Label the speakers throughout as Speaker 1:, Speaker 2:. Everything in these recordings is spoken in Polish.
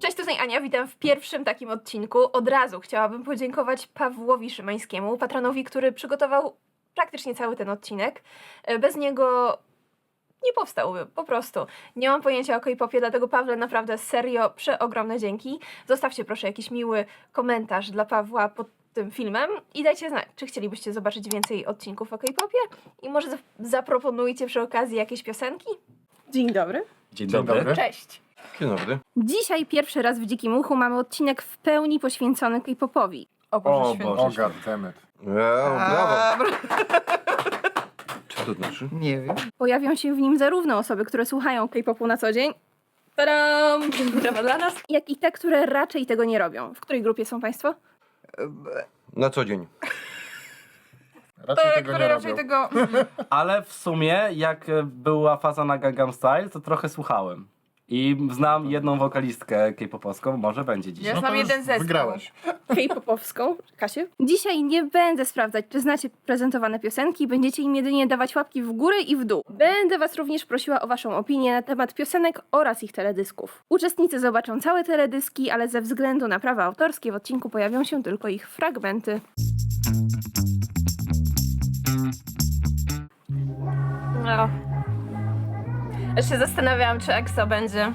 Speaker 1: Cześć, tutaj Ania, witam w pierwszym takim odcinku. Od razu chciałabym podziękować Pawłowi Szymańskiemu, patronowi, który przygotował praktycznie cały ten odcinek. Bez niego nie powstałby, po prostu. Nie mam pojęcia o K-popie, dlatego Pawle, naprawdę serio przeogromne dzięki. Zostawcie proszę jakiś miły komentarz dla Pawła pod tym filmem i dajcie znać, czy chcielibyście zobaczyć więcej odcinków o K-popie i może zaproponujcie przy okazji jakieś piosenki.
Speaker 2: Dzień dobry.
Speaker 3: Dzień dobry.
Speaker 1: Cześć!
Speaker 3: Dzień dobry.
Speaker 1: Dzisiaj pierwszy raz w Dzikim Uchu mamy odcinek w pełni poświęcony K-popowi.
Speaker 2: O Boże
Speaker 3: O
Speaker 2: Święty.
Speaker 3: Boże.
Speaker 4: O goddammit.
Speaker 3: Brawo. Co to znaczy?
Speaker 2: Nie wiem.
Speaker 1: Pojawią się w nim zarówno osoby, które słuchają K-popu na co dzień, tadam, brawa dla nas, jak i te, które raczej tego nie robią. W której grupie są Państwo?
Speaker 3: Na co dzień.
Speaker 4: Raczej tego
Speaker 2: Które
Speaker 4: nie
Speaker 2: raczej
Speaker 4: robią.
Speaker 2: tego...
Speaker 5: Ale w sumie, jak była faza na Gangnam Style, to trochę słuchałem. I znam jedną wokalistkę k-popowską, może będzie dzisiaj.
Speaker 2: Ja
Speaker 4: No
Speaker 2: znam
Speaker 4: to już
Speaker 2: jeden zespół.
Speaker 4: wygrałeś.
Speaker 1: K-popowską. Kasiu? Dzisiaj nie będę sprawdzać, czy znacie prezentowane piosenki, będziecie im jedynie dawać łapki w górę i w dół. Będę Was również prosiła o Waszą opinię na temat piosenek oraz ich teledysków. Uczestnicy zobaczą całe teledyski, ale ze względu na prawa autorskie w odcinku pojawią się tylko ich fragmenty. No. Już się zastanawiałam, czy EXO będzie.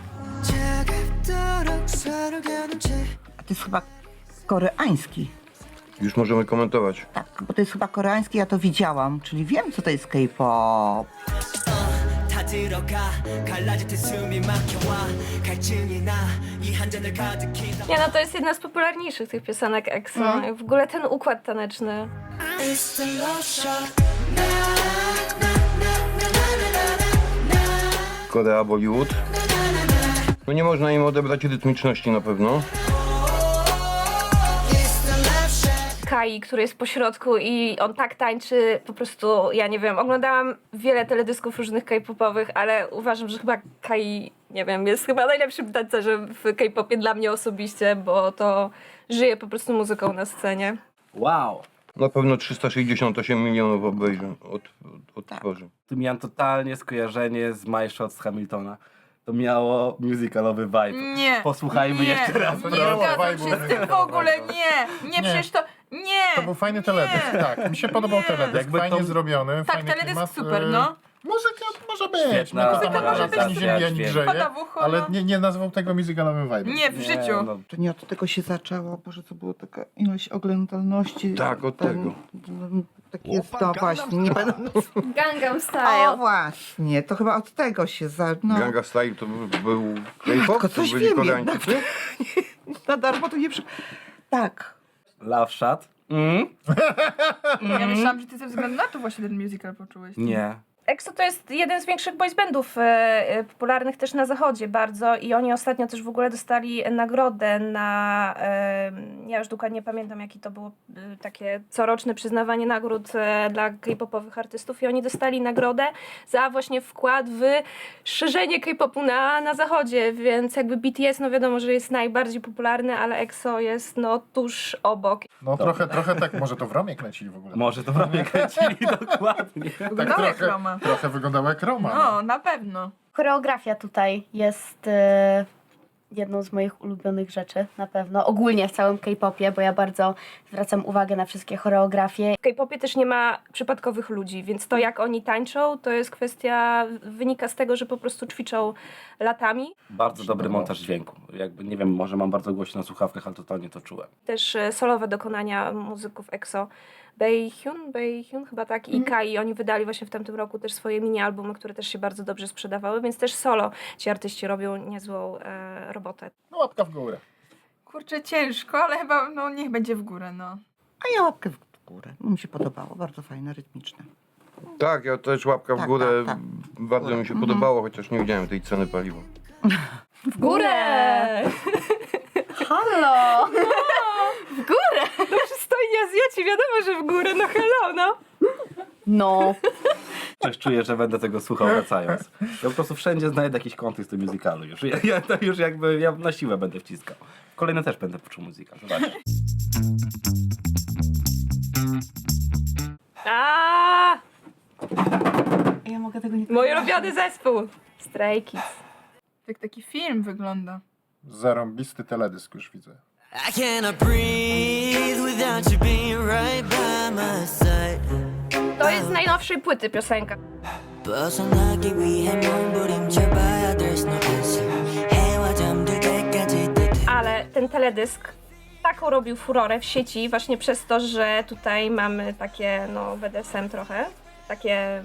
Speaker 6: A to jest chyba koreański.
Speaker 3: Już możemy komentować.
Speaker 6: Tak, bo to jest chyba koreański, ja to widziałam, czyli wiem, co to jest K-pop.
Speaker 7: 다 들어가 갈라질 때 숨이 막혀와 갈증이 나이 한 잔을 가득히
Speaker 1: Nie no, to jest jedna z popularniejszych tych piosenek EXO. W ogóle ten układ taneczny.
Speaker 7: It's the love shot
Speaker 3: Korea, Bollywood. No nie można im odebrać rytmiczności na pewno.
Speaker 1: Kai, który jest po środku i on tak tańczy, po prostu, ja nie wiem, oglądałam wiele teledysków różnych K-popowych, ale uważam, że chyba Kai, nie wiem, jest chyba najlepszym tancerzem w K-popie dla mnie osobiście, bo to żyje po prostu muzyką na scenie.
Speaker 5: Wow!
Speaker 3: Na pewno 368 milionów obejrzeń odtworzy.
Speaker 5: Tu miałem totalnie skojarzenie z My Shot z Hamiltona. To miało musicalowy vibe.
Speaker 2: Nie.
Speaker 5: Posłuchajmy
Speaker 2: nie,
Speaker 5: jeszcze raz.
Speaker 2: Nie
Speaker 4: Brawo,
Speaker 2: zgadzam
Speaker 4: vibe'u
Speaker 2: się z tym w ogóle, nie. Nie, przecież to... Nie.
Speaker 4: To był fajny teledysk, tak. Mi się podobał
Speaker 2: Nie.
Speaker 4: teledysk,
Speaker 5: Jakby
Speaker 4: fajnie
Speaker 5: to-
Speaker 4: zrobiony,
Speaker 2: Tak,
Speaker 4: fajny
Speaker 2: teledysk
Speaker 4: klimat.
Speaker 2: super, no.
Speaker 4: Muzyka może być,
Speaker 5: Świetna
Speaker 4: no to tam
Speaker 5: muzyka
Speaker 4: może
Speaker 5: może
Speaker 4: ani
Speaker 5: być,
Speaker 4: ziemi, ani
Speaker 5: dźwięk.
Speaker 4: grzeje,
Speaker 2: Pada w ucho,
Speaker 4: ale
Speaker 2: no.
Speaker 4: nie nazwał tego musicalowym vibe'em.
Speaker 2: Nie, w życiu.
Speaker 5: No,
Speaker 6: To nie od tego się zaczęło, Boże, to była taka ilość oglądalności.
Speaker 3: Tak, od tego.
Speaker 6: Tak jest, no właśnie, nie będę...
Speaker 1: Gangnam
Speaker 6: O
Speaker 1: Style.
Speaker 6: właśnie, to chyba od tego się no.
Speaker 3: Ganga Style to był K-pop?
Speaker 6: Tylko
Speaker 3: To
Speaker 6: coś
Speaker 3: byli
Speaker 6: wiem
Speaker 3: Koreańczycy?
Speaker 6: Na darmo to nie przy... Tak.
Speaker 5: Love Shot?
Speaker 2: Ja myślałam, że ty ze względu na to właśnie ten musical poczułeś.
Speaker 5: Nie.
Speaker 1: EXO to jest jeden z większych boysbandów popularnych też na zachodzie bardzo i oni ostatnio też w ogóle dostali nagrodę na, ja już dokładnie pamiętam jaki to było takie coroczne przyznawanie nagród dla K-popowych artystów i oni dostali nagrodę za właśnie wkład w szerzenie K-popu na zachodzie, więc jakby BTS no wiadomo, że jest najbardziej popularny, ale EXO jest no tuż obok.
Speaker 4: No trochę tak, może to w Romie kręcili w ogóle.
Speaker 5: Może to prawie kręcili dokładnie.
Speaker 2: Wyglądał jak Roma.
Speaker 4: Trochę wyglądało jak Roma.
Speaker 2: No, na pewno.
Speaker 8: Choreografia tutaj jest jedną z moich ulubionych rzeczy, na pewno. Ogólnie w całym K-popie, bo ja bardzo zwracam uwagę na wszystkie choreografie.
Speaker 1: W K-popie też nie ma przypadkowych ludzi, więc to jak oni tańczą, to jest kwestia, wynika z tego, że po prostu ćwiczą latami.
Speaker 5: Bardzo dobry montaż dźwięku. Jakby, nie wiem, może mam bardzo głośno na słuchawkach, ale totalnie to czułem.
Speaker 1: Też solowe dokonania muzyków EXO. Baehyun chyba tak i Kai, oni wydali właśnie w tamtym roku też swoje mini-albumy, które też się bardzo dobrze sprzedawały, więc też solo ci artyści robią niezłą robotę.
Speaker 4: No łapka w górę.
Speaker 2: Kurczę, ciężko, ale chyba, no niech będzie w górę, no.
Speaker 6: A ja łapkę w górę, bo mi się podobało, bardzo fajne, rytmiczne.
Speaker 3: Tak, ja też łapka w
Speaker 6: Tak,
Speaker 3: górę.
Speaker 6: tak, tak.
Speaker 3: Bardzo mi się podobało, chociaż nie widziałem tej ceny paliwa.
Speaker 1: W górę!
Speaker 8: Halo!
Speaker 1: W górę! No przystojni Azjaci, wiadomo, że w górę, no hello, no!
Speaker 8: No.
Speaker 5: Też czuję, że będę tego słuchał wracając. Ja po prostu wszędzie znajdę jakiś kontekst do musicalu już. Ja to już jakby, ja na siłę będę wciskał. Kolejne też będę poczuł muzykę, zobacz.
Speaker 1: A,
Speaker 8: Ja mogę tego nie...
Speaker 1: mój ulubiony zespół! Stray Kids.
Speaker 2: Jak taki film wygląda.
Speaker 4: Zarąbisty teledysk już widzę.
Speaker 7: I cannot breathe without you being right by my side.
Speaker 1: To jest z najnowszej płyty piosenka.
Speaker 7: 벗어나기 위해 몸부림쳐봐야 there's no answer. 해와 잠들 때까지
Speaker 1: Ale ten teledysk taką robił furorę w sieci właśnie przez to, że tutaj mamy takie, no, BDSM trochę. Takie...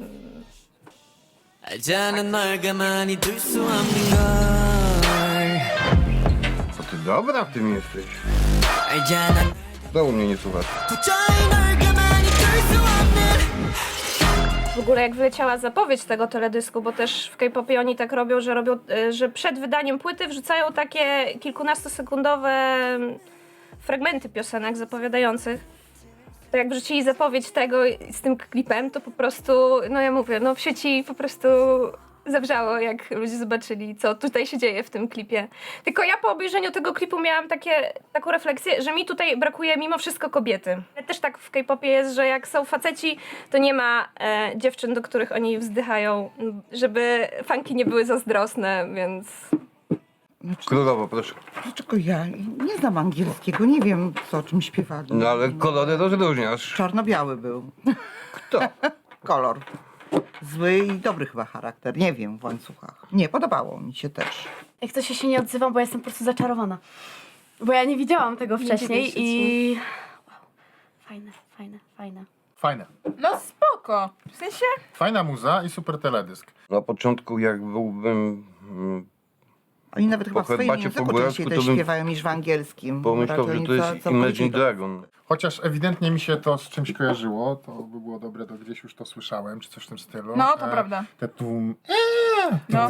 Speaker 7: 알잖아 널 가만히 둘 수 없는 걸.
Speaker 3: Co ty dobra w tym jesteś?
Speaker 7: 알잖아
Speaker 3: Znowu mnie nie słuchasz.
Speaker 7: 도저히 널 가만히 둘 수 없는.
Speaker 1: W ogóle jak wyleciała zapowiedź tego teledysku, bo też w K-popie oni tak robią, że przed wydaniem płyty wrzucają takie kilkunastosekundowe fragmenty piosenek zapowiadających. To jak wrzucili zapowiedź tego z tym klipem, to po prostu, no ja mówię, no w sieci po prostu zawrzało, jak ludzie zobaczyli, co tutaj się dzieje w tym klipie. Tylko ja po obejrzeniu tego klipu miałam taką refleksję, że mi tutaj brakuje mimo wszystko kobiety. Też tak w K-popie jest, że jak są faceci, to nie ma dziewczyn, do których oni wzdychają, żeby fanki nie były zazdrosne, więc...
Speaker 3: Królowo, proszę.
Speaker 6: Dlaczego ja nie znam angielskiego, nie wiem o czym śpiewali.
Speaker 3: No ale kolory rozróżniasz.
Speaker 6: Czarno-biały był.
Speaker 3: Kto?
Speaker 6: Kolor. Zły i dobry chyba charakter, nie wiem, w łańcuchach. Nie, podobało mi się też.
Speaker 8: Jak coś się nie odzywam, bo jestem po prostu zaczarowana. Bo ja nie widziałam tego wcześniej
Speaker 1: dziwię się
Speaker 8: i... Wow. Fajne, fajne, fajne.
Speaker 4: Fajne.
Speaker 2: No spoko. W sensie...
Speaker 4: Fajna muza i super teledysk.
Speaker 3: Na początku jak byłbym...
Speaker 6: Oni nawet chyba w
Speaker 3: Po
Speaker 6: swoim
Speaker 3: herbacie
Speaker 6: języku
Speaker 3: po góralsku
Speaker 6: częściej
Speaker 3: to
Speaker 6: też
Speaker 3: bym
Speaker 6: śpiewają niż w angielskim.
Speaker 3: pomyślał,
Speaker 6: Raczej
Speaker 3: że
Speaker 6: oni
Speaker 3: to jest
Speaker 6: całkowicie
Speaker 3: Imagine
Speaker 6: to-
Speaker 3: Dragon.
Speaker 4: Chociaż ewidentnie mi się to z czymś kojarzyło, to by było dobre, to gdzieś już to słyszałem, czy coś w tym stylu.
Speaker 2: No, to prawda.
Speaker 4: Te tłum...
Speaker 2: No.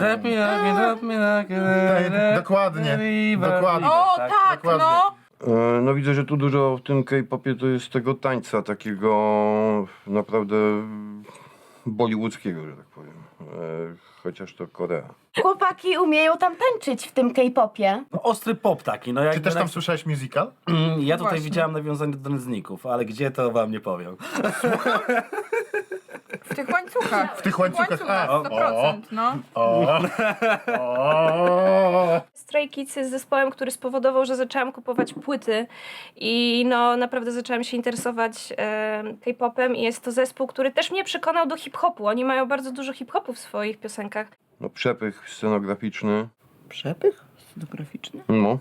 Speaker 4: Dokładnie, dokładnie.
Speaker 2: O,
Speaker 5: tak,
Speaker 2: tak,
Speaker 4: dokładnie.
Speaker 2: no.
Speaker 3: No widzę, że tu dużo w tym K-popie to jest tego tańca takiego naprawdę bollywoodzkiego, że tak powiem. Chociaż to Korea.
Speaker 8: Chłopaki umieją tam tańczyć w tym K-popie.
Speaker 5: No, ostry pop taki. No,
Speaker 4: Czy też tam słyszałeś musical?
Speaker 5: Ja tutaj
Speaker 2: Właśnie.
Speaker 5: widziałem nawiązanie do nędzników, ale gdzie to wam nie powiem.
Speaker 2: W tych łańcuchach.
Speaker 4: W tych łańcuchach, a.
Speaker 2: 100%, no.
Speaker 1: Stray Kids jest zespołem, który spowodował, że zaczęłam kupować płyty i no naprawdę zaczęłam się interesować K-popem i jest to zespół, który też mnie przekonał do hip-hopu. Oni mają bardzo dużo hip-hopu w swoich piosenkach.
Speaker 3: No przepych scenograficzny.
Speaker 6: Przepych scenograficzny?
Speaker 3: No.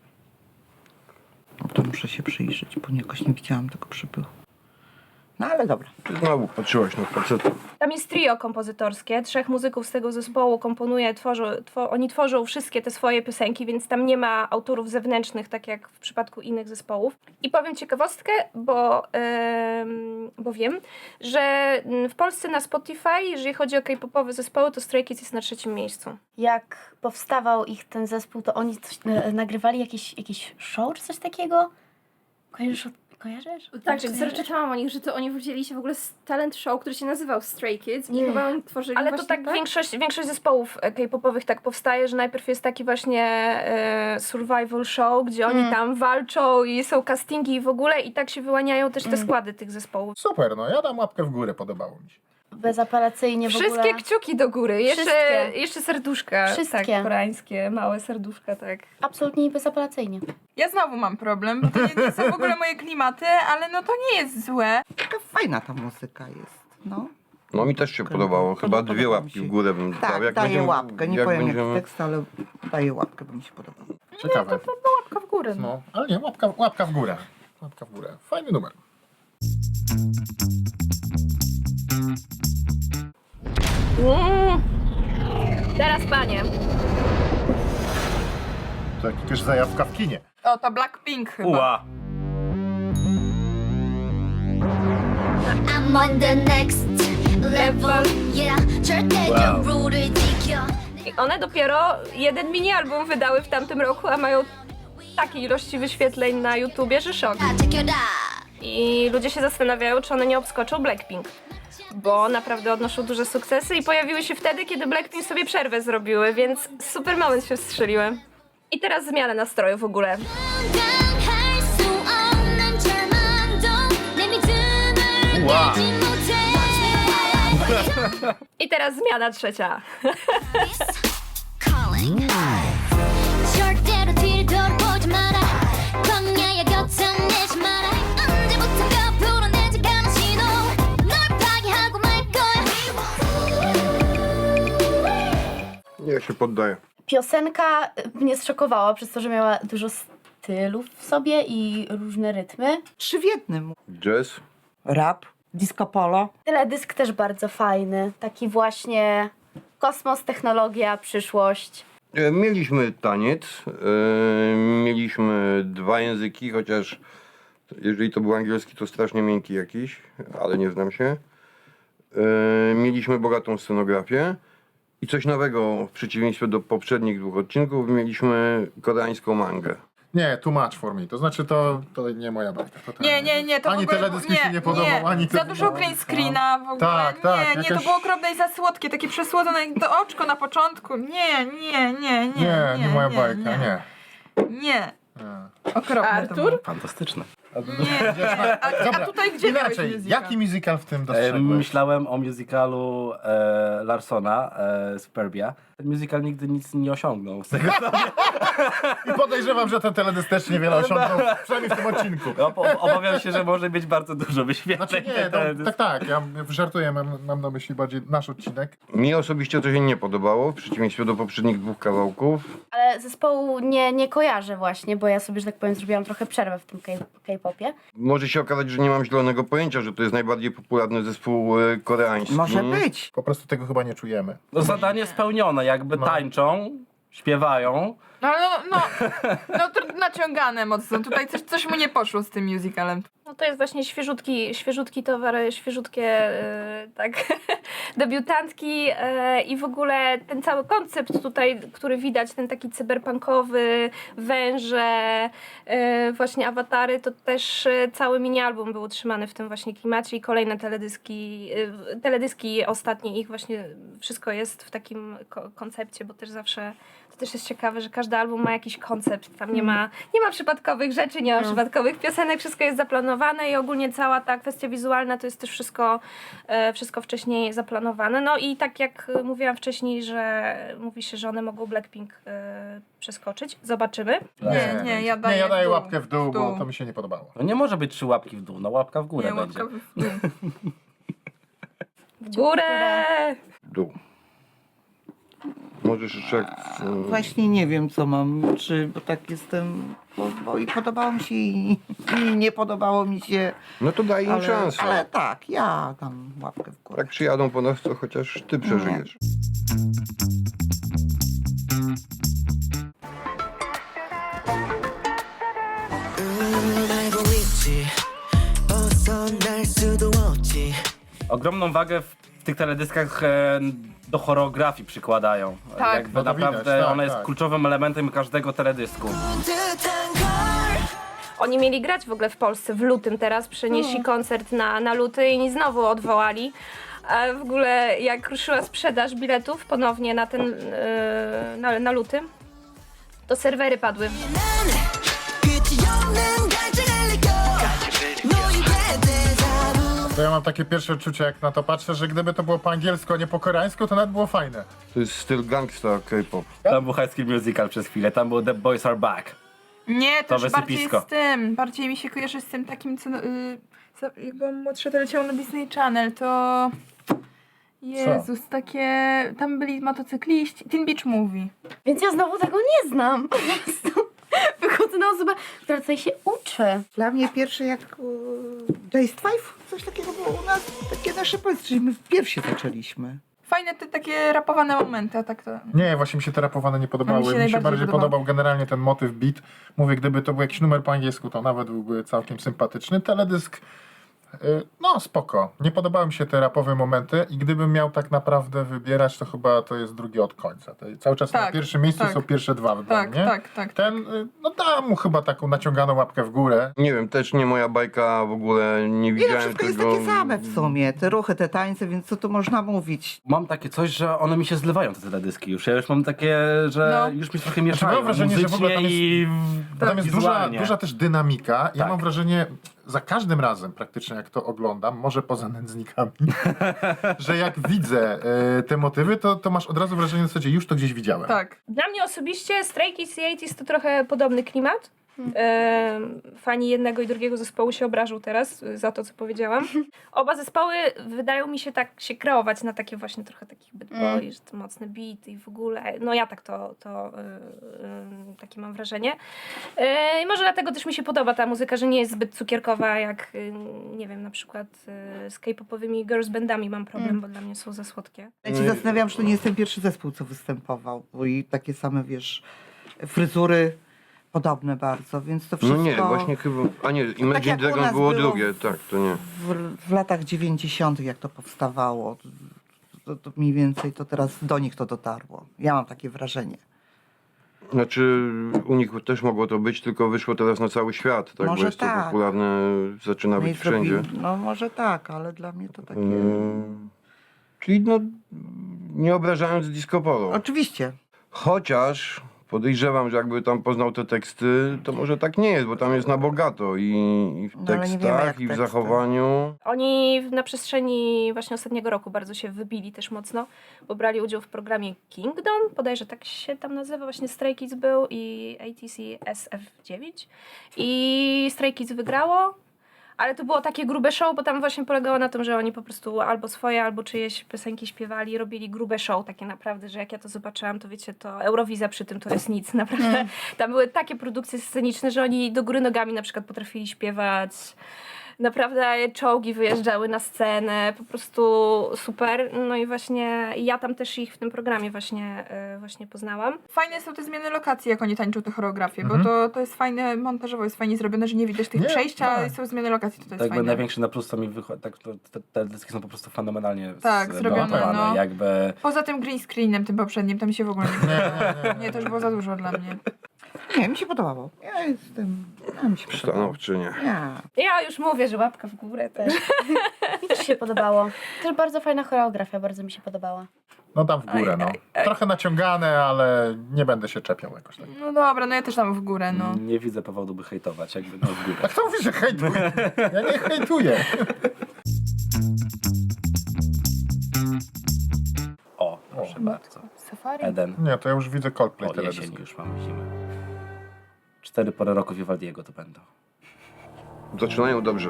Speaker 6: No to muszę się przyjrzeć, bo jakoś nie widziałam tego przepychu. No ale dobra.
Speaker 3: Ty znowu patrzyłaś na faceta.
Speaker 1: Tam jest trio kompozytorskie, 3 muzyków z tego zespołu komponuje, oni tworzą wszystkie te swoje piosenki, więc tam nie ma autorów zewnętrznych, tak jak w przypadku innych zespołów. I powiem ciekawostkę, bo wiem, że w Polsce na Spotify, jeżeli chodzi o K-popowe zespoły, to Stray Kids jest na 3. miejscu.
Speaker 8: Jak powstawał ich ten zespół, to oni coś, nagrywali jakieś show czy coś takiego? Kojarzysz?
Speaker 1: Tak,
Speaker 9: czytałam o nich, że to oni wzięli się w ogóle z talent show, który się nazywał Stray Kids i chyba oni tworzyli
Speaker 1: Ale to
Speaker 9: właśnie
Speaker 1: tak większość zespołów K-popowych tak powstaje, że najpierw jest taki właśnie survival show, gdzie oni tam walczą i są castingi i w ogóle i tak się wyłaniają też te składy tych zespołów.
Speaker 4: Super, no ja dam łapkę w górę, podobało mi się.
Speaker 8: Bezapelacyjnie w ogóle.
Speaker 1: Wszystkie kciuki do góry, jeszcze serduszka.
Speaker 8: Wszystkie.
Speaker 1: Tak, koreańskie, małe serduszka, tak.
Speaker 8: Absolutnie i bezapelacyjnie.
Speaker 2: Ja znowu mam problem, bo to nie są w ogóle moje klimaty, ale no to nie jest złe.
Speaker 6: Taka fajna ta muzyka jest, no.
Speaker 3: No mi też się podobało. Chyba 2 łapki w górę bym dał.
Speaker 6: Tak,
Speaker 3: Jak
Speaker 6: daję
Speaker 3: będziemy-
Speaker 6: łapkę. Nie
Speaker 3: jak
Speaker 6: powiem
Speaker 3: będziemy-
Speaker 6: jaki tekst, ale daję łapkę, bo mi się podoba.
Speaker 4: Ciekawe.
Speaker 2: Łapka w górę.
Speaker 4: No, ale nie, łapka w górę. Łapka w górę. Fajny numer.
Speaker 1: Teraz panie.
Speaker 4: To jakaś zajawka w kinie.
Speaker 2: O, to Blackpink chyba.
Speaker 5: Uła!
Speaker 10: I'm on the next level, yeah. 절대
Speaker 5: Wow.
Speaker 10: 경로를 지켜.
Speaker 1: I one dopiero jeden mini-album wydały w tamtym roku, a mają takiej ilości wyświetleń na YouTubie, że szok.
Speaker 10: 지켜라.
Speaker 1: I ludzie się zastanawiają, czy one nie obskoczą Blackpink. Bo naprawdę odnoszą duże sukcesy i pojawiły się wtedy, kiedy Blackpink sobie przerwę zrobiły, więc super moment się wstrzeliłem. I teraz zmiana nastroju w ogóle.
Speaker 10: 감당할 수 없는 절망도 내 믿음을
Speaker 5: 우와.
Speaker 10: 내지 못해.
Speaker 1: I teraz zmiana trzecia.
Speaker 10: Calling. 절대로
Speaker 3: Ja się poddaję.
Speaker 8: Piosenka mnie zszokowała przez to, że miała dużo stylów w sobie i różne rytmy.
Speaker 6: 3 w jednym.
Speaker 3: Jazz.
Speaker 6: Rap, disco polo.
Speaker 8: Teledysk też bardzo fajny. Taki właśnie kosmos, technologia, przyszłość.
Speaker 3: Mieliśmy taniec, mieliśmy 2 języki, chociaż jeżeli to był angielski, to strasznie miękki jakiś, ale nie znam się. Mieliśmy bogatą scenografię i coś nowego w przeciwieństwie do poprzednich 2 odcinków, mieliśmy koreańską mangę.
Speaker 4: Nie, too much for me. To znaczy to nie moja bajka.
Speaker 2: Nie, to
Speaker 4: Ani
Speaker 2: w ogóle,
Speaker 4: teledysk mi się nie podobał, ani
Speaker 2: za
Speaker 4: to-
Speaker 2: dużo green screena w ogóle.
Speaker 4: Tak, tak,
Speaker 2: nie, to
Speaker 4: jakaś-
Speaker 2: było okropne i za słodkie, takie przesłodzone jak to oczko na początku. Nie.
Speaker 4: Nie moja bajka, nie.
Speaker 2: Nie. Okropne
Speaker 9: Artur?
Speaker 2: to było.
Speaker 5: Fantastyczne.
Speaker 2: Nie. A tutaj gdzie miałeś
Speaker 4: Inaczej,
Speaker 2: musical?
Speaker 4: jaki musical w tym dostrzegłeś?
Speaker 5: Myślałem o musicalu Larsona, Superbia. Ten musical nigdy nic nie osiągnął z tego.
Speaker 4: I podejrzewam, że ten teledysk też niewiele osiągnął, przynajmniej w tym odcinku.
Speaker 5: Obawiam się, że może mieć bardzo dużo wyświetleń.
Speaker 4: Znaczy nie, tak, ja żartuję, mam na myśli bardziej nasz odcinek.
Speaker 3: Mi osobiście to się nie podobało, w przeciwieństwie do poprzednich 2 kawałków.
Speaker 8: Ale zespołu nie kojarzę właśnie, bo ja sobie, że tak powiem, zrobiłam trochę przerwę w tym K-popie.
Speaker 3: Może się okazać, że nie mam zielonego pojęcia, że to jest najbardziej popularny zespół koreański.
Speaker 6: Może być.
Speaker 4: Po prostu tego chyba nie czujemy.
Speaker 5: No, zadanie spełnione, jakby tańczą, śpiewają.
Speaker 2: No to naciągane mocno. Tutaj coś mu nie poszło z tym musicalem.
Speaker 1: No to jest właśnie świeżutki towar, świeżutkie tak, debiutantki i w ogóle ten cały koncept tutaj, który widać, ten taki cyberpunkowy, węże, właśnie awatary, to też cały mini-album był utrzymany w tym właśnie klimacie i kolejne teledyski ostatnie ich właśnie wszystko jest w takim koncepcie, bo też zawsze to też jest ciekawe, że każdy album ma jakiś koncept, tam nie ma przypadkowych rzeczy, nie ma przypadkowych piosenek, wszystko jest zaplanowane i ogólnie cała ta kwestia wizualna to jest też wszystko wcześniej zaplanowane. No i tak jak mówiłam wcześniej, że mówi się, że one mogą Blackpink przeskoczyć. Zobaczymy.
Speaker 2: Nie, ja daję
Speaker 4: Ja daję
Speaker 2: dół.
Speaker 4: łapkę w dół, bo to mi się nie podobało.
Speaker 5: No nie może być 3 łapki w dół, no łapka w górę
Speaker 2: Nie,
Speaker 5: będzie.
Speaker 2: łapka w dół.
Speaker 1: W górę!
Speaker 3: Dół. Możesz jeszcze...
Speaker 6: Właśnie nie wiem, co mam, bo tak jestem, bo i podobało mi się i nie podobało mi się.
Speaker 3: No to daj im szansę.
Speaker 6: Ale tak, ja dam łapkę w górę.
Speaker 3: Jak przyjadą po nas, to chociaż ty przeżyjesz.
Speaker 7: 알고 있지 벗어날 수도 없지
Speaker 5: Ogromną wagę w tych teledyskach do choreografii przykładają.
Speaker 2: Tak.
Speaker 5: Jakby
Speaker 4: No to
Speaker 5: naprawdę
Speaker 4: widać, tak,
Speaker 5: ona jest
Speaker 4: tak.
Speaker 5: kluczowym elementem każdego teledysku.
Speaker 7: 듯한 걸
Speaker 1: Oni mieli grać w ogóle w Polsce w lutym teraz, przenieśli koncert na luty i znowu odwołali. A w ogóle jak ruszyła sprzedaż biletów ponownie na ten na luty, to serwery padły.
Speaker 7: 끝이 없는 갈증을 느껴 너에게 대자부
Speaker 4: To ja mam takie pierwsze odczucie, jak na to patrzę, że gdyby to było po angielsku, a nie po koreańsku, to nawet było fajne.
Speaker 3: To jest styl gangsta K-pop.
Speaker 5: Tam był High School Musical przez chwilę, tam był The Boys Are Back.
Speaker 2: Nie, to
Speaker 5: To
Speaker 2: już bardziej
Speaker 5: wysypisko.
Speaker 2: z tym. Bardziej mi się kojarzy z tym takim, co jak byłam młodsza, to leciało na Disney Channel, to... Jezus, takie... Tam byli motocykliści. Teen Beach Movie.
Speaker 8: Więc ja znowu tego nie znam. Po prostu wychodzę na osobę, która tutaj się uczy.
Speaker 6: Dla mnie pierwsze jak Jace Five, coś takiego było u nas, takie nasze powiedzmy, że my pierwsi zaczęliśmy.
Speaker 2: Fajne te takie rapowane momenty, a tak to...
Speaker 4: Nie, właśnie mi się te rapowane nie podobały.
Speaker 2: Mi się
Speaker 4: Mi się
Speaker 2: najbardziej
Speaker 4: bardziej
Speaker 2: podobał.
Speaker 4: podobał generalnie ten motyw beat. Mówię, gdyby to był jakiś numer po angielsku, to nawet byłby całkiem sympatyczny. Teledysk, no spoko. Nie podobały mi się te rapowe momenty i gdybym miał tak naprawdę wybierać, to chyba to jest drugi od końca. To cały czas na
Speaker 2: Tak,
Speaker 4: pierwszym miejscu
Speaker 2: tak.
Speaker 4: są pierwsze 2 dla
Speaker 2: Tak,
Speaker 4: mnie.
Speaker 2: tak.
Speaker 4: Ten, no dam mu chyba taką naciąganą łapkę w górę.
Speaker 3: Nie wiem, też nie moja bajka, w ogóle nie
Speaker 6: Nie, no
Speaker 3: widziałem
Speaker 6: wszystko jest
Speaker 3: tego.
Speaker 6: takie same w sumie, te ruchy, te tańce, więc co tu można mówić?
Speaker 5: Mam takie coś, że one mi się zlewają, te teledyski już. Ja już mam takie, że
Speaker 2: No.
Speaker 5: już mi trochę mieszają.
Speaker 4: mam wrażenie, że w ogóle tam jest-
Speaker 5: i
Speaker 4: Bo tam jest
Speaker 5: wizualnie.
Speaker 4: duża też dynamika. Ja
Speaker 5: Tak.
Speaker 4: mam wrażenie, za każdym razem praktycznie jak to oglądam, może poza nędznikami, że jak widzę te motywy, to masz od razu wrażenie w zasadzie, już to gdzieś widziałem.
Speaker 2: Tak.
Speaker 1: Dla mnie osobiście Stray Kids i 80s to trochę podobny klimat.
Speaker 9: Fani jednego i drugiego zespołu się obrażą teraz za to, co powiedziałam. Oba zespoły wydają mi się tak się kreować na takie właśnie trochę takich bad boy, że to mocny beat i w ogóle. No ja tak takie mam wrażenie. I może dlatego też mi się podoba ta muzyka, że nie jest zbyt cukierkowa, jak nie wiem, na przykład z K-popowymi girls bandami mam problem, bo dla mnie są za słodkie.
Speaker 6: Ja się zastanawiam, że to nie jest ten pierwszy zespół, co występował, bo i takie same, wiesz, fryzury podobne bardzo, więc to wszystko...
Speaker 3: No nie, właśnie chyba... A nie, Imagine
Speaker 6: jak u
Speaker 3: Dragon
Speaker 6: nas
Speaker 3: było
Speaker 6: było
Speaker 3: drugie, tak, to nie.
Speaker 6: w latach 90., jak to powstawało, to mniej więcej to teraz do nich to dotarło. Ja mam takie wrażenie.
Speaker 3: Znaczy u nich też mogło to być, tylko wyszło teraz na cały świat, tak?
Speaker 6: Może
Speaker 3: Bo jest to
Speaker 6: tak.
Speaker 3: popularne, zaczyna
Speaker 6: No i
Speaker 3: być wszędzie.
Speaker 6: no może tak, ale dla mnie to takie...
Speaker 3: Czyli no, nie obrażając disco polo.
Speaker 6: Oczywiście.
Speaker 3: Chociaż podejrzewam, że jakby tam poznał te teksty, to może tak nie jest, bo tam jest na bogato i w
Speaker 6: No, ale nie wiemy,
Speaker 3: tekstach,
Speaker 6: jak
Speaker 3: i w
Speaker 6: teksty.
Speaker 3: zachowaniu.
Speaker 9: Oni na przestrzeni właśnie ostatniego roku bardzo się wybili też mocno, bo brali udział w programie Kingdom, bodajże tak się tam nazywa, właśnie Stray Kids był i ATC SF9 i Stray Kids wygrało, ale to było takie grube show, bo tam właśnie polegało na tym, że oni po prostu albo swoje, albo czyjeś piosenki śpiewali, robili grube show takie naprawdę, że jak ja to zobaczyłam, to wiecie, to Eurowizja przy tym to jest nic, naprawdę. Tam były takie produkcje sceniczne, że oni do góry nogami na przykład potrafili śpiewać. Naprawdę czołgi wyjeżdżały na scenę, po prostu super. No i właśnie ja tam też ich w tym programie właśnie poznałam.
Speaker 2: Fajne są te zmiany lokacji, jak oni tańczą te choreografie, bo to jest fajne, montażowo jest fajnie zrobione, że nie widać tych
Speaker 4: Nie,
Speaker 2: przejść, a
Speaker 4: tak.
Speaker 2: są zmiany lokacji, to jest
Speaker 5: Tak,
Speaker 2: fajne.
Speaker 5: największy na plus to mi wychodzi, tak, te dyski są po prostu fenomenalnie
Speaker 2: Tak, zrobione,
Speaker 5: zmontowane,
Speaker 2: no.
Speaker 5: jakby...
Speaker 2: Poza tym green screenem, tym poprzednim, tam się w ogóle nie podobało. Nie, to już było za dużo dla mnie.
Speaker 6: Nie, mi się podobało. Ja mi się podobało.
Speaker 3: Stanowczynie.
Speaker 9: Ja już mówię, że łapka w górę też.
Speaker 8: Mi też się podobało. Też bardzo fajna choreografia, bardzo mi się podobała.
Speaker 4: No tam w górę, no. Trochę naciągane, ale nie będę się czepiał jakoś tak.
Speaker 2: No dobra, no ja też tam w górę, no.
Speaker 5: Nie widzę powodu, by hejtować, jakby no w górę.
Speaker 4: A kto mówi, że hejtuje? Ja nie hejtuję.
Speaker 5: O, proszę bardzo.
Speaker 2: Safari?
Speaker 5: Eden.
Speaker 4: Nie, to ja już widzę Coldplay
Speaker 5: O,
Speaker 4: teledysk.
Speaker 5: jesień już mamy zimę. 4 pory roku Vivaldiego to będą.
Speaker 3: Zaczynają dobrze.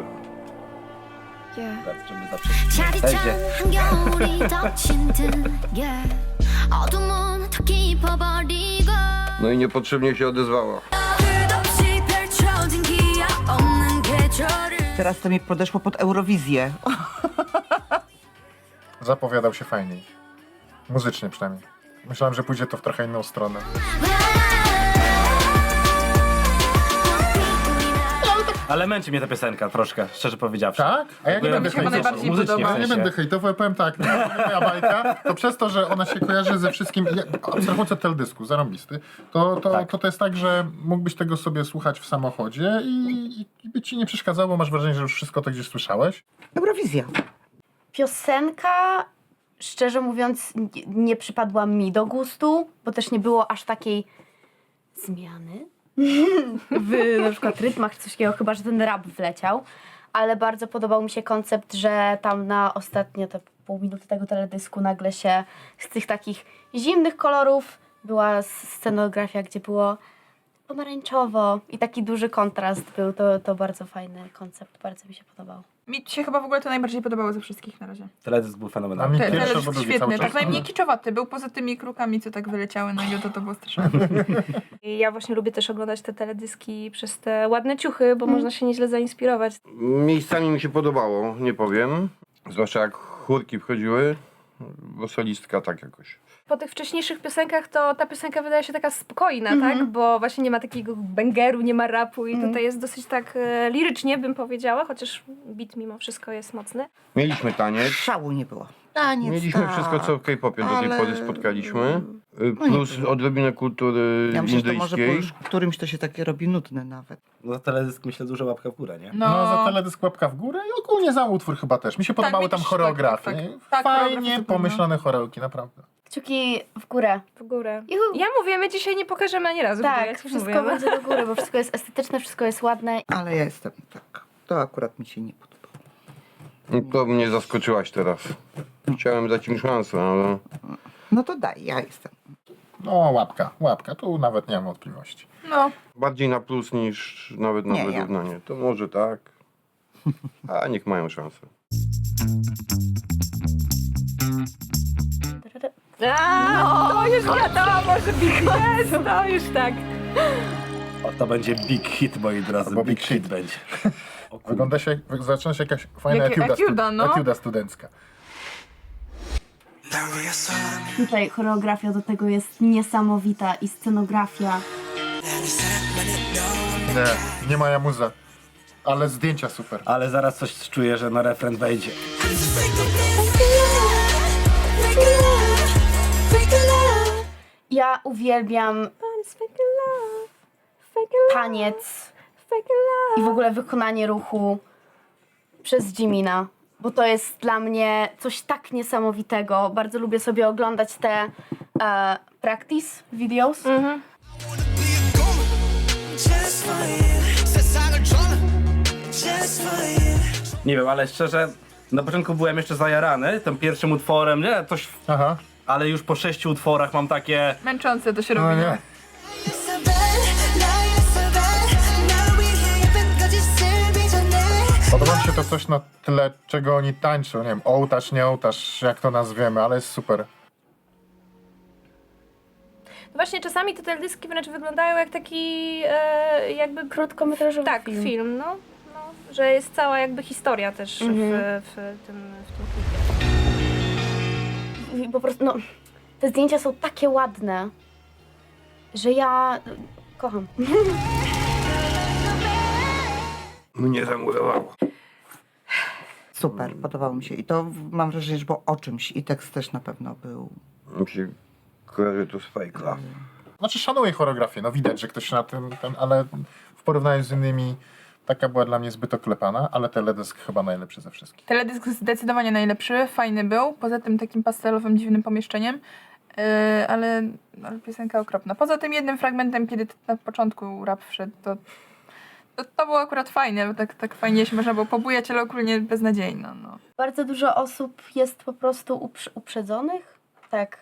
Speaker 5: Żeby zawsze...
Speaker 10: 짜릿한 한겨울이 덮친 듯 yeah. 어둠은 더 깊어버리고
Speaker 3: No i niepotrzebnie się odezwała.
Speaker 10: 끝없이 펼쳐진 기약 없는 계절을
Speaker 6: Teraz to mi podeszło pod Eurowizję.
Speaker 4: Zapowiadał się fajniej. Muzycznie przynajmniej. Myślałem, że pójdzie to w trochę inną stronę.
Speaker 5: Ale męczy mnie ta piosenka troszkę, szczerze powiedziawszy.
Speaker 4: Tak? A ja nie będę
Speaker 2: mi się chyba
Speaker 4: hejtował.
Speaker 2: najbardziej
Speaker 5: Muzycznie
Speaker 2: podoba.
Speaker 5: w
Speaker 4: Ja nie
Speaker 5: sensie.
Speaker 4: będę hejtował, ja powiem tak, moja bajka, to przez to, że ona się kojarzy ze wszystkim, abstrahując od teledysku, zarąbisty, to jest tak, że mógłbyś tego sobie słuchać w samochodzie i by ci nie przeszkadzało, bo masz wrażenie, że już wszystko to gdzieś słyszałeś.
Speaker 6: Eurowizja.
Speaker 8: Piosenka, szczerze mówiąc, nie przypadła mi do gustu, bo też nie było aż takiej zmiany w na przykład rytmach czy coś takiego, chyba że ten rap wleciał, ale bardzo podobał mi się koncept, że tam na ostatnie te pół minuty tego teledysku nagle się z tych takich zimnych kolorów była scenografia, gdzie było pomarańczowo i taki duży kontrast był, to bardzo fajny koncept, bardzo mi się podobał.
Speaker 2: Mi się chyba w ogóle to najbardziej podobało ze wszystkich na razie.
Speaker 5: Teledysk był
Speaker 4: A mi
Speaker 5: fenomenalny.
Speaker 4: pierwszy,
Speaker 2: Teledysk
Speaker 4: bo drugi
Speaker 2: świetny,
Speaker 4: cały czas.
Speaker 2: tak najmniej kiczowaty. Był poza tymi krukami, co tak wyleciały na niego, to było straszne.
Speaker 9: I ja właśnie lubię też oglądać te teledyski przez te ładne ciuchy, bo można się nieźle zainspirować.
Speaker 3: Miejscami mi się podobało, nie powiem. Zwłaszcza jak chórki wchodziły, bo solistka tak jakoś.
Speaker 9: Po tych wcześniejszych piosenkach to ta piosenka wydaje się taka spokojna, tak? Bo właśnie nie ma takiego bangeru, nie ma rapu i tutaj jest dosyć tak lirycznie, bym powiedziała, chociaż beat mimo wszystko jest mocny.
Speaker 3: Mieliśmy taniec.
Speaker 6: Szału nie było. Taniec,
Speaker 3: Mieliśmy
Speaker 6: tak.
Speaker 3: wszystko, co w K-popie do tej
Speaker 6: Ale-
Speaker 3: pory spotkaliśmy.
Speaker 6: nie
Speaker 3: Plus
Speaker 6: było.
Speaker 3: odrobinę kultury
Speaker 6: Ja myślę, że to może po
Speaker 3: indyjskiej.
Speaker 6: już którymś to się takie robi nudne nawet.
Speaker 5: No za teledysk myślę duża łapka w górę, nie?
Speaker 4: No, za teledysk łapka w górę i ogólnie za utwór chyba też. Mi się podobały
Speaker 2: mi
Speaker 4: tam
Speaker 2: też,
Speaker 4: choreografie.
Speaker 2: tak. Tak, choreografie
Speaker 4: Fajnie
Speaker 2: super, no.
Speaker 4: pomyślane choreoki, naprawdę.
Speaker 8: Kciuki w górę.
Speaker 9: W górę.
Speaker 8: Juhu.
Speaker 9: Ja mówię, my dzisiaj nie pokażemy ani razu.
Speaker 8: Tak,
Speaker 9: jak
Speaker 8: wszystko
Speaker 9: mówię, no.
Speaker 8: będzie do góry, bo wszystko jest estetyczne, wszystko jest ładne.
Speaker 6: Ale ja jestem tak. To akurat mi się nie podobało.
Speaker 3: No to mnie zaskoczyłaś teraz. Chciałem dać im szansę, ale...
Speaker 6: No to daj, ja jestem.
Speaker 4: No łapka, tu nawet nie mam wątpliwości.
Speaker 2: No,
Speaker 3: Bardziej na plus niż nawet na
Speaker 6: Nie, ja.
Speaker 3: wyrównanie. To może tak. A niech mają szansę.
Speaker 1: To już wiadomo, że BTS, to już tak.
Speaker 5: O, to będzie big hit, moi drodzy.
Speaker 4: Albo
Speaker 5: Big
Speaker 4: big
Speaker 5: hit
Speaker 4: hit.
Speaker 5: będzie. O kurde.
Speaker 4: Wygląda się, zaczyna się jakaś fajna
Speaker 2: Etiuda, no.
Speaker 4: etiuda studencka.
Speaker 8: Tutaj choreografia do tego jest niesamowita i scenografia.
Speaker 4: Nie moja muza, ale zdjęcia super.
Speaker 5: Ale zaraz coś czuję, że na refren wejdzie.
Speaker 8: Ja uwielbiam taniec i w ogóle wykonanie ruchu przez Jimina, bo to jest dla mnie coś tak niesamowitego. Bardzo lubię sobie oglądać te practice videos.
Speaker 5: Nie wiem, ale szczerze, na początku byłem jeszcze zajarany tym pierwszym utworem, nie? Coś,
Speaker 4: Aha,
Speaker 5: ale już po 6 utworach mam takie...
Speaker 2: męczące to się
Speaker 4: no
Speaker 2: robi.
Speaker 4: nie. Podoba mi się to coś na tle, czego oni tańczą. Nie wiem, ołtarz, nie ołtarz, jak to nazwiemy, ale jest super.
Speaker 9: Właśnie czasami te teledyski wręcz wyglądają jak taki jakby
Speaker 8: Krótkometrażowy
Speaker 9: tak, film, no, że jest cała jakby historia też w tym klipie.
Speaker 8: I po prostu, no, te zdjęcia są takie ładne, że ja kocham.
Speaker 3: Mnie zamurowało.
Speaker 6: Super, podobało mi się. I to mam wrażenie, że było o czymś. I tekst też na pewno był.
Speaker 3: Mi się kojarzy to z Fake Love.
Speaker 4: Znaczy szanuję choreografię, no widać, że ktoś na tym, ale w porównaniu z innymi taka była dla mnie zbyt oklepana, ale teledysk chyba najlepszy ze wszystkich.
Speaker 2: Teledysk zdecydowanie najlepszy, fajny był, poza tym takim pastelowym, dziwnym pomieszczeniem, ale piosenka okropna. Poza tym jednym fragmentem, kiedy na początku rap wszedł, to było akurat fajne, bo tak fajnie się można było pobujać, ale ogólnie beznadziejno. No.
Speaker 8: Bardzo dużo osób jest po prostu uprzedzonych, tak,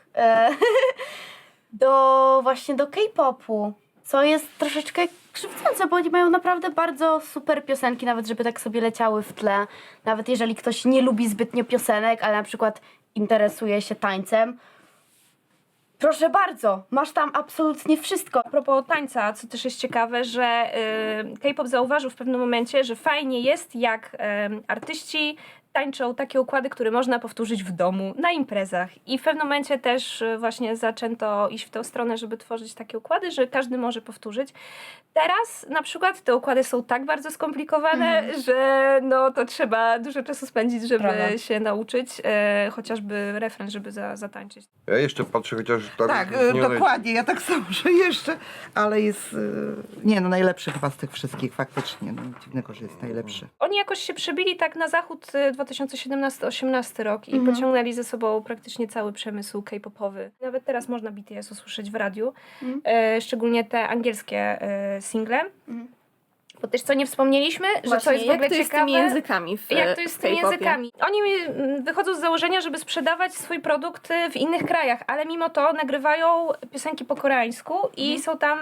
Speaker 8: właśnie do K-popu, co jest troszeczkę krzywdzące, bo oni mają naprawdę bardzo super piosenki, nawet żeby tak sobie leciały w tle. Nawet jeżeli ktoś nie lubi zbytnio piosenek, ale na przykład interesuje się tańcem, proszę bardzo, masz tam absolutnie wszystko.
Speaker 9: A propos tańca, co też jest ciekawe, że K-pop zauważył w pewnym momencie, że fajnie jest, jak artyści tańczą takie układy, które można powtórzyć w domu, na imprezach. I w pewnym momencie też właśnie zaczęto iść w tę stronę, żeby tworzyć takie układy, że każdy może powtórzyć. Teraz na przykład te układy są tak bardzo skomplikowane, że no to trzeba dużo czasu spędzić, żeby
Speaker 2: Prawda.
Speaker 9: się nauczyć, chociażby refren, żeby zatańczyć.
Speaker 3: Ja jeszcze patrzę, chociaż
Speaker 6: Tak,
Speaker 3: nie
Speaker 6: dokładnie. Ja tak samo, że jeszcze. Ale jest. Nie, no najlepszy chyba z tych wszystkich, faktycznie. No, nic dziwnego, że jest najlepszy.
Speaker 9: Oni jakoś się przebili tak na zachód 2017-18 rok i pociągnęli ze sobą praktycznie cały przemysł K-popowy. Nawet teraz można BTS usłyszeć w radiu, szczególnie te angielskie single. Bo też co nie wspomnieliśmy, że to jest w ogóle
Speaker 1: jak to jest z
Speaker 9: ciekawe.
Speaker 1: tymi językami w
Speaker 9: Jak to jest z tymi
Speaker 1: K-popie?
Speaker 9: językami? Oni wychodzą z założenia, żeby sprzedawać swój produkt w innych krajach, ale mimo to nagrywają piosenki po koreańsku i są tam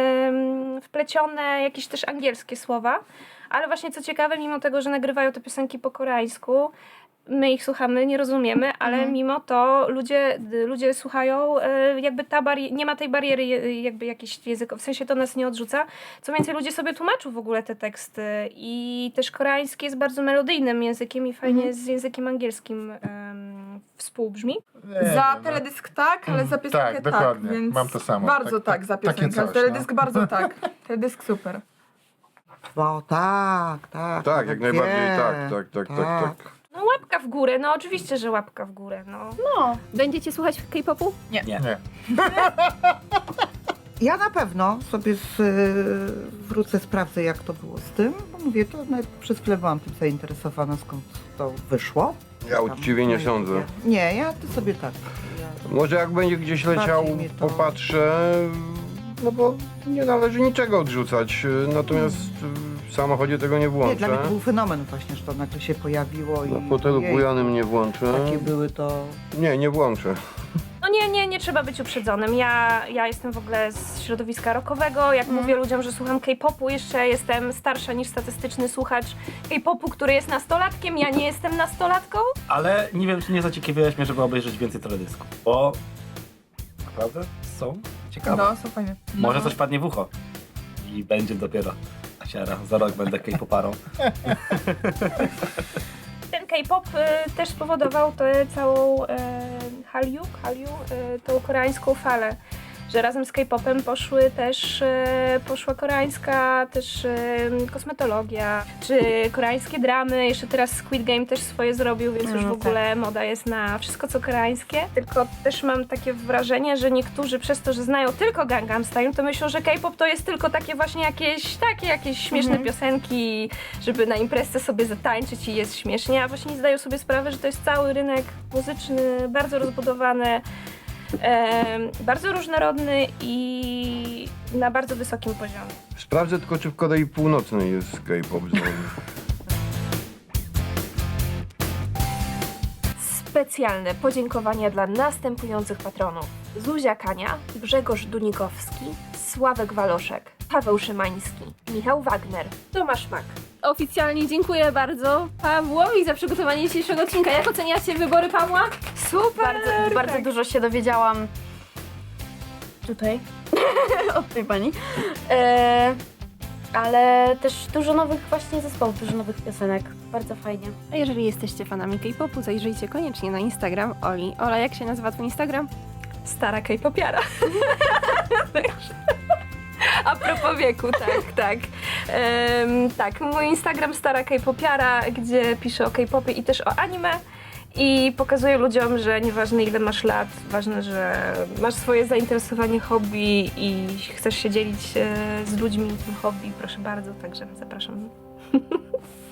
Speaker 9: wplecione jakieś też angielskie słowa. Ale właśnie co ciekawe, mimo tego, że nagrywają te piosenki po koreańsku, my ich słuchamy, nie rozumiemy, ale mimo to ludzie słuchają, jakby nie ma tej bariery jakby jakiejś językowej, w sensie to nas nie odrzuca. Co więcej, ludzie sobie tłumaczą w ogóle te teksty i też koreański jest bardzo melodyjnym językiem i fajnie z językiem angielskim współbrzmi.
Speaker 2: Za teledysk tak, ale za piosenkę
Speaker 4: Tak, dokładnie.
Speaker 2: więc
Speaker 4: Mam to samo.
Speaker 2: Bardzo tak za
Speaker 4: takie
Speaker 2: piosenkę.
Speaker 4: coś,
Speaker 2: Teledysk
Speaker 4: no.
Speaker 2: bardzo tak. Teledysk super.
Speaker 6: Bo tak.
Speaker 3: Tak, jak
Speaker 6: Wie.
Speaker 3: najbardziej tak.
Speaker 9: No łapka w górę, no oczywiście, że łapka w górę, no.
Speaker 1: Będziecie słuchać K-popu?
Speaker 4: Nie.
Speaker 6: Ja na pewno sobie wrócę, sprawdzę jak to było z tym, bo mówię, to nawet przez chwilę byłam tym zainteresowana, skąd to wyszło.
Speaker 3: Ja uczciwie nie sądzę.
Speaker 6: Nie, ja to sobie tak.
Speaker 3: Może jak będzie gdzieś leciał,
Speaker 6: Bardziej mnie to-
Speaker 3: popatrzę, no bo nie należy niczego odrzucać. Natomiast w samochodzie tego nie
Speaker 6: Nie,
Speaker 3: włączę.
Speaker 6: dla mnie to był fenomen właśnie, że to nagle się pojawiło i
Speaker 3: Na fotelu
Speaker 6: ojej,
Speaker 3: bujanym nie włączę.
Speaker 6: takie były to...
Speaker 3: Nie włączę.
Speaker 9: No No nie trzeba być uprzedzonym. Ja jestem w ogóle z środowiska rockowego. Jak mówię ludziom, że słucham K-popu, jeszcze jestem starsza niż statystyczny słuchacz K-popu, który jest nastolatkiem. Ja nie jestem nastolatką.
Speaker 5: Ale nie wiem, czy nie zaciekawiłeś mnie, żeby obejrzeć więcej teledysków, bo naprawdę są ciekawe.
Speaker 2: No, są fajne.
Speaker 5: Może coś padnie w ucho i będzie dopiero asiara. Za rok będę K-poparą.
Speaker 9: Ten K-pop też spowodował tę całą Hallyu, tą koreańską falę, że razem z K-popem poszła koreańska też kosmetologia, czy koreańskie dramy, jeszcze teraz Squid Game też swoje zrobił, więc już w ogóle moda jest na wszystko co koreańskie. Tylko też mam takie wrażenie, że niektórzy przez to, że znają tylko Gangnam Style, to myślą, że K-pop to jest tylko takie właśnie jakieś śmieszne piosenki, żeby na imprezce sobie zatańczyć i jest śmiesznie, a właśnie nie zdają sobie sprawy, że to jest cały rynek muzyczny, bardzo rozbudowany, bardzo różnorodny i na bardzo wysokim poziomie.
Speaker 3: Sprawdzę tylko, czy w Korei Północnej jest K-pop zone.
Speaker 1: Specjalne podziękowania dla następujących patronów: Zuzia Kania, Grzegorz Dunikowski, Sławek Waloszek, Paweł Szymański, Michał Wagner, Tomasz Mak.
Speaker 9: Oficjalnie dziękuję bardzo Pawłowi za przygotowanie dzisiejszego odcinka. Jak oceniacie wybory Pawła?
Speaker 1: Super!
Speaker 8: Bardzo dużo się dowiedziałam tutaj od tej pani. Ale też dużo nowych właśnie zespołów, dużo nowych piosenek. Bardzo fajnie.
Speaker 1: A jeżeli jesteście fanami K-popu, zajrzyjcie koniecznie na Instagram Oli. Ola, jak się nazywa twój Instagram?
Speaker 9: Stara K-popiara.
Speaker 1: A propos wieku, tak. Tak, mój Instagram Stara K-popiara, gdzie piszę o K-popie i też o anime. I pokazuję ludziom, że nieważne ile masz lat, ważne, że masz swoje zainteresowanie, hobby i chcesz się dzielić z ludźmi tym hobby, proszę bardzo, także zapraszam.